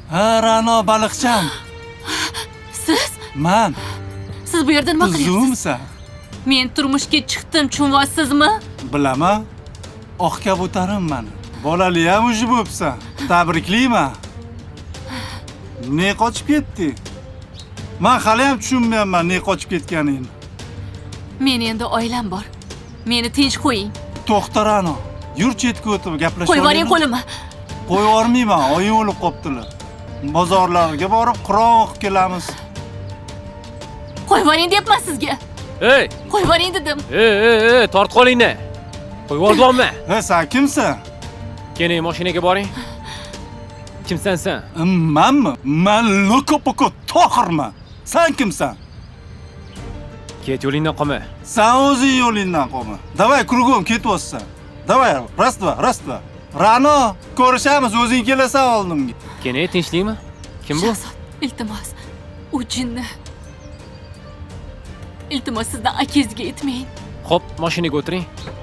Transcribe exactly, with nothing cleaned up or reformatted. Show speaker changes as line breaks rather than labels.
Ha, Ra'no baliqcham.
Siz?
Man.
Siz bu yerda nima qilyapsiz?
Tuzumsan?
Men turmushga chiqdim, tushunyapsizmi?
Bilaman. Oq kabutarimman. Bolali ham uji bo'psan. Tabriklayman. Ne qochib ketdi? Men hali ham tushunmayapman ne qochib ketganingni.
Men endi oilam bor. Meni tinch qo'ying.
To'xta Ra'no. Yur chetga o'tib gaplashib
Qo'yib yuboring qo'limni.
Qo'yib yubormayman, oying o'lib qoptilar. Bozorlarga borib Qur'on o'qib kelamiz.
Qo'yib yuboring deyapman sizga.
Ey!
Qo'yib yuboring dedim.
Ey, ey, ey, tort qolingni. Qo'yib yuboribman.
Ha, sen kimsan?
Keling, mashinaga boring. Kimsan sen?
Manmi? Men Lokopoko Tohirman. Sen kimsan?
Ket yo'lingdan qolma.
Sen o'zing yo'lingdan qolma. Davay, kruгом ketyapsan. Davay, раз-два, раз-два. Ra'no, ko'rishamiz, o'zing kelasan oldimga.
Keling, tinchlikmi? Kim bu?
Shahzod, iltimos. U jinni. Iltimos sizdan akangizga aytmang.
Xo'p, mashinaga o'tiring.